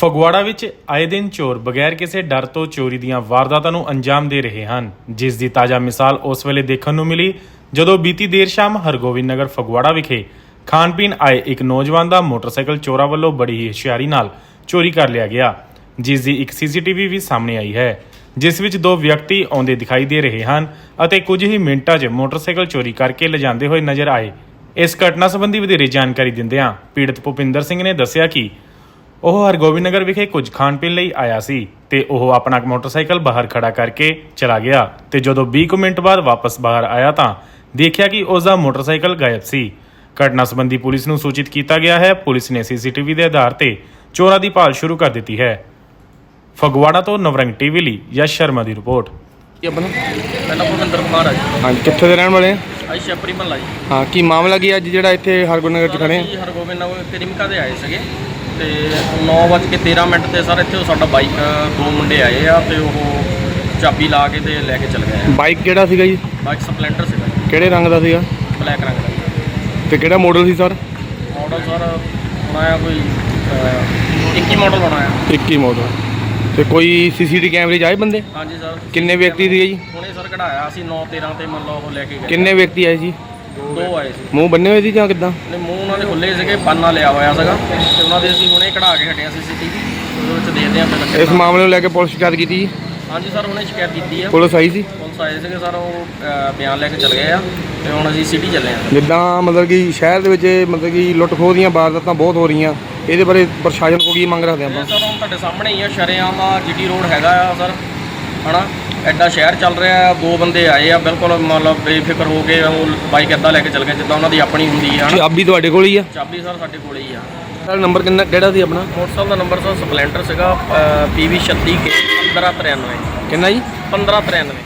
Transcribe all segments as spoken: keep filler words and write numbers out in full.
ਫਗਵਾੜਾ ਵਿੱਚ ਆਏ ਦਿਨ ਚੋਰ ਬਗੈਰ ਕਿਸੇ ਡਰ ਤੋਂ ਚੋਰੀ ਦੀਆਂ ਵਾਰਦਾਤਾਂ ਨੂੰ ਅੰਜਾਮ ਦੇ ਰਹੇ ਹਨ, ਜਿਸ ਦੀ ਤਾਜ਼ਾ ਮਿਸਾਲ ਉਸ ਵੇਲੇ ਦੇਖਣ ਨੂੰ ਮਿਲੀ ਜਦੋਂ ਬੀਤੀ ਦੇਰ ਸ਼ਾਮ ਹਰਗੋਬਿੰਦ ਨਗਰ ਫਗਵਾੜਾ ਵਿਖੇ ਖਾਣ ਪੀਣ ਆਏ ਇੱਕ ਨੌਜਵਾਨ ਦਾ ਮੋਟਰਸਾਈਕਲ ਚੋਰਾਂ ਵੱਲੋਂ ਬੜੀ ਹੀ ਹੁਸ਼ਿਆਰੀ ਨਾਲ ਚੋਰੀ ਕਰ ਲਿਆ ਗਿਆ, ਜਿਸ ਦੀ ਇੱਕ ਸੀਸੀਟੀਵੀ ਵੀ ਸਾਹਮਣੇ ਆਈ ਹੈ, ਜਿਸ ਵਿੱਚ ਦੋ ਵਿਅਕਤੀ ਆਉਂਦੇ ਦਿਖਾਈ ਦੇ ਰਹੇ ਹਨ ਅਤੇ ਕੁਝ ਹੀ ਮਿੰਟਾਂ 'ਚ ਮੋਟਰਸਾਈਕਲ ਚੋਰੀ ਕਰਕੇ ਲਿਜਾਂਦੇ ਹੋਏ ਨਜ਼ਰ ਆਏ। ਇਸ ਘਟਨਾ ਸੰਬੰਧੀ ਵਧੇਰੇ ਜਾਣਕਾਰੀ ਦਿੰਦਿਆਂ ਪੀੜਤ ਭੁਪਿੰਦਰ ਸਿੰਘ ਨੇ ਦੱਸਿਆ ਕਿ ਉਹ ਹਰਗੋਬਿੰਦ ਨਗਰ ਵਿਖੇ ਕੁਝ ਖਾਣ ਪੀਣ ਲਈ ਆਇਆ ਸੀ ਤੇ ਉਹ ਆਪਣਾ ਮੋਟਰਸਾਈਕਲ ਬਾਹਰ ਖੜਾ ਕਰਕੇ ਚਲਾ ਗਿਆ ਤੇ ਜਦੋਂ ਵੀਹ ਕੁ ਮਿੰਟ ਬਾਅਦ ਵਾਪਸ ਬਾਹਰ ਆਇਆ ਤਾਂ ਦੇਖਿਆ ਕਿ ਉਸ ਦਾ ਮੋਟਰਸਾਈਕਲ ਗਾਇਬ ਸੀ। ਘਟਨਾ ਸੰਬੰਧੀ ਪੁਲਿਸ ਨੂੰ ਸੂਚਿਤ ਕੀਤਾ ਗਿਆ ਹੈ। ਪੁਲਿਸ ਨੇ ਸੀਸੀਟੀਵੀ ਦੇ ਆਧਾਰ ਤੇ ਚੋਰਾਂ ਦੀ ਭਾਲ ਸ਼ੁਰੂ ਕਰ ਦਿੱਤੀ ਹੈ। ਫਗਵਾੜਾ ਤੋਂ ਨਵਰੰਗ ਟੀਵੀ ਲਈ ਯਸ਼ ਸ਼ਰਮਾ ਦੀ ਰਿਪੋਰਟ। ਕੀ ਆਪਣਾ ਪਹਿਲਾਂ ਭੁਪਿੰਦਰ ਕੁਮਾਰ ਆ ਜੀ। ਹਾਂਜੀ, ਕਿੱਥੇ ਦੇ ਰਹਿਣ ਵਾਲੇ ਆ? ਅਸੀਂ ਛਪਰੀ ਮਹੱਲਾ ਜੀ। ਹਾਂ, ਕੀ ਮਾਮਲਾ ਕੀ ਅੱਜ ਜਿਹੜਾ ਇੱਥੇ ਹਰਗੋਬਿੰਦ ਨਗਰ 'ਚ ਖੜੇ ਆ? ਅਸੀਂ ਹਰਗੋਬਿੰਦ ਨਗਰ ਕਰੀਮਕਾ ਦੇ ਆਏ ਸੀਗੇ ਤੇ ਨੌ ਵੱਜ ਕੇ ਤੇਰਾਂ ਮਿੰਟ ਤੇ ਸਰ ਇੱਥੇ ਸਾਡਾ ਬਾਈਕ ਦੋ ਮੁੰਡੇ ਆਏ ਆ ਤੇ ਉਹ ਚਾਬੀ ਲਾ ਕੇ ਤੇ ਲੈ ਕੇ ਚਲ ਗਏ ਆ। ਬਾਈਕ ਕਿਹੜਾ ਸੀਗਾ ਜੀ? ਬਾਈਕ ਸਪਲੈਂਡਰ ਸੀਗਾ ਜੀ, ਕਿਹੜੇ ਰੰਗ ਦਾ ਸੀਗਾ? ਬਲੈਕ ਰੰਗ ਦਾ ਜੀ। ਤੇ ਕਿਹੜਾ ਮਾਡਲ ਸੀ ਸਰ? ਮਾਡਲ ਸਰ ਬਣਾਇਆ ਕੋਈ ਅਹ, ਇੱਕੀ ਮਾਡਲ ਬਣਾਇਆ। ਇੱਕੀ ਮਾਡਲ। ਤੇ ਕੋਈ ਸੀਸੀਟੀ ਕੈਮਰੇ 'ਚ ਆਏ ਬੰਦੇ? ਹਾਂਜੀ ਸਰ। ਕਿੰਨੇ ਵਿਅਕਤੀ ਸੀਗੇ ਜੀ? ਹੁਣੇ ਸਰ ਕਢਾਇਆ ਅਸੀਂ ਨੌ ਤੇਰਾਂ ਤੇ ਮੰਨ ਲਓ ਉਹ ਲੈ ਕੇ ਗਏ। ਕਿੰਨੇ ਵਿਅਕਤੀ ਆਏ ਜੀ? ਦੋ ਆਏ ਸੀ। ਮੂੰਹ ਬੰਨੇ ਹੋਏ ਸੀ ਜਾਂ ਕਿੱਦਾਂ? ਨੇ ਮੂੰਹ ਉਹਨਾਂ ਦੇ ਖੁੱਲੇ ਸੀਗੇ, ਪਾਨਾ ਲਿਆ ਹੋਇਆ ਸੀਗਾ ਤੇ ਉਹਨਾਂ ਦੇ ਅਸੀਂ ਹੁਣੇ ਕਢਾ ਕੇ ਹਟਿਆ ਸੀਸੀਟੀਵੀ, ਉਹਦੇ ਵਿੱਚ ਦੇਖਦੇ ਹਾਂ ਫਿਰ। ਇਸ ਮਾਮਲੇ ਨੂੰ ਲੈ ਕੇ ਪੁਲਿਸ ਸ਼ਿਕਾਇਤ ਕੀਤੀ ਜੀ? ਹਾਂਜੀ ਸਰ, ਹੁਣੇ ਸ਼ਿਕਾਇਤ ਕੀਤੀ ਆ। ਪੁਲਿਸ ਆਈ ਸੀ? ਪੁਲਿਸ ਆਏ ਸੀਗੇ ਸਰ, ਉਹ ਅਹ, ਬਿਆਨ ਲੈ ਕੇ ਚਲੇ ਗਏ ਆ ਤੇ ਹੁਣ ਅਸੀਂ ਸਿਟੀ ਚੱਲੇ ਆ। ਜਿੱਦਾਂ ਮਤਲਬ ਕਿ ਸ਼ਹਿਰ ਦੇ ਵਿੱਚ ਇਹ ਮਤਲਬ ਕਿ ਲੁੱਟ ਖੋਹ ਦੀਆਂ ਵਾਰਦਾਤਾਂ ਬਹੁਤ ਹੋ ਰਹੀਆਂ, ਇਹਦੇ ਬਾਰੇ ਪ੍ਰਸ਼ਾਸਨ ਕੋਲ ਕੀ ਮੰਗ ਰੱਖਦੇ ਇਹ ਆਪਾਂ? ਸਰ ਹੁਣ ਤੁਹਾਡੇ ਸਾਹਮਣੇ ਹੀ ਆ, ਸ਼ਰੇਆਮ ਆ ਜੀਟੀ ਰੋਡ ਹੈਗਾ ਆ ਸਰ, ਹਨਾ ਐਡਾ ਸ਼ਹਿਰ ਚੱਲ ਰਿਹਾ ਆ। ਦੋ ਬੰਦੇ ਆਏ ਆ ਬਿਲਕੁਲ ਮਤਲਬ ਬੇਫਿਕਰ ਹੋ ਕੇ, ਉਹ ਬਾਈਕ ਇੱਦਾਂ ਲੈ ਕੇ ਚੱਲ ਗਏ ਜਿੱਦਾਂ ਉਹਨਾਂ ਦੀ ਆਪਣੀ ਹੁੰਦੀ ਆ। ਹਨਾ ਚਾਬੀ ਤੁਹਾਡੇ ਕੋਲ ਹੀ ਆ? ਚਾਬੀ ਸਰ ਸਾਡੇ ਕੋਲ ਹੀ ਆ। ਸਰ ਨੰਬਰ ਕਿੰਨਾ ਕਿਹੜਾ ਸੀ ਆਪਣਾ? ਮੋਟਰਸਾਈਕਲ ਦਾ ਨੰਬਰ ਸਰ ਸਪਲੈਂਡਰ ਸੀਗਾ ਪੀ ਵੀ ਛੱਤੀ ਕੇ ਪੰਦਰਾਂ ਤਰਿਆਨਵੇਂ। ਕਿੰਨਾ ਜੀ? ਪੰਦਰਾਂ ਤਰਿਆਨਵੇਂ।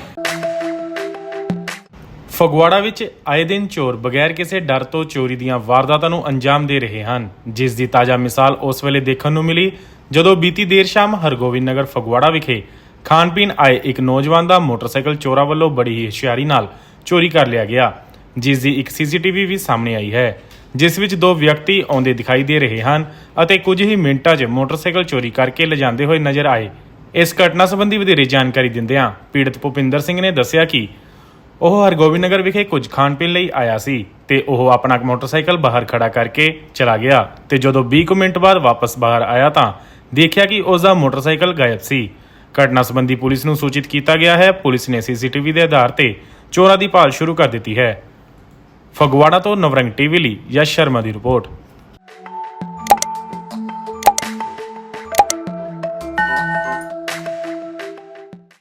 ਫਗਵਾੜਾ ਵਿੱਚ ਆਏ ਦਿਨ ਚੋਰ ਬਗੈਰ ਕਿਸੇ ਡਰ ਤੋਂ ਚੋਰੀ ਦੀਆਂ ਵਾਰਦਾਤਾਂ ਨੂੰ ਅੰਜਾਮ ਦੇ ਰਹੇ ਹਨ, ਜਿਸ ਦੀ ਤਾਜ਼ਾ ਮਿਸਾਲ ਉਸ ਵੇਲੇ ਦੇਖਣ ਨੂੰ ਮਿਲੀ ਜਦੋਂ ਬੀਤੀ ਦੇਰ ਸ਼ਾਮ ਹਰਗੋਬਿੰਦ ਨਗਰ ਫਗਵਾੜਾ ਵਿਖੇ ਖਾਣ ਪੀਣ ਆਏ ਇੱਕ ਨੌਜਵਾਨ ਦਾ ਮੋਟਰਸਾਈਕਲ ਚੋਰਾਂ ਵੱਲੋਂ ਬੜੀ ਹੀ ਹੁਸ਼ਿਆਰੀ ਨਾਲ ਚੋਰੀ ਕਰ ਲਿਆ ਗਿਆ, ਜਿਸ ਦੀ ਇੱਕ ਸੀਸੀਟੀਵੀ ਵੀ ਸਾਹਮਣੇ ਆਈ ਹੈ, ਜਿਸ ਵਿੱਚ ਦੋ ਵਿਅਕਤੀ ਆਉਂਦੇ ਦਿਖਾਈ ਦੇ ਰਹੇ ਹਨ ਅਤੇ ਕੁਝ ਹੀ ਮਿੰਟਾਂ 'ਚ ਮੋਟਰਸਾਈਕਲ ਚੋਰੀ ਕਰਕੇ ਲਿਜਾਂਦੇ ਹੋਏ ਨਜ਼ਰ ਆਏ। ਇਸ ਘਟਨਾ ਸੰਬੰਧੀ ਵਧੇਰੇ ਜਾਣਕਾਰੀ ਦਿੰਦਿਆਂ ਪੀੜਤ ਭੁਪਿੰਦਰ ਸਿੰਘ ਨੇ ਦੱਸਿਆ ਕਿ ਉਹ ਹਰਗੋਬਿੰਦ ਨਗਰ ਵਿਖੇ ਕੁਝ ਖਾਣ ਪੀਣ ਲਈ ਆਇਆ ਸੀ ਤੇ ਉਹ ਆਪਣਾ ਮੋਟਰਸਾਈਕਲ ਬਾਹਰ ਖੜਾ ਕਰਕੇ ਚਲਾ ਗਿਆ ਤੇ ਜਦੋਂ ਵੀਹ ਕੁ ਮਿੰਟ ਬਾਅਦ ਵਾਪਸ ਬਾਹਰ ਆਇਆ ਤਾਂ ਦੇਖਿਆ ਕਿ ਉਸ ਦਾ ਮੋਟਰਸਾਈਕਲ ਗਾਇਬ ਸੀ। ਘਟਨਾ ਸੰਬੰਧੀ ਪੁਲਿਸ ਨੂੰ ਸੂਚਿਤ ਕੀਤਾ ਗਿਆ ਹੈ। ਪੁਲਿਸ ਨੇ ਸੀਸੀਟੀਵੀ ਦੇ ਆਧਾਰ ਤੇ ਚੋਰਾਂ ਦੀ ਭਾਲ ਸ਼ੁਰੂ ਕਰ ਦਿੱਤੀ ਹੈ। ਫਗਵਾੜਾ ਤੋਂ ਨਵਰੰਗ ਟੀਵੀ ਲਈ ਯਸ਼ ਸ਼ਰਮਾ ਦੀ ਰਿਪੋਰਟ।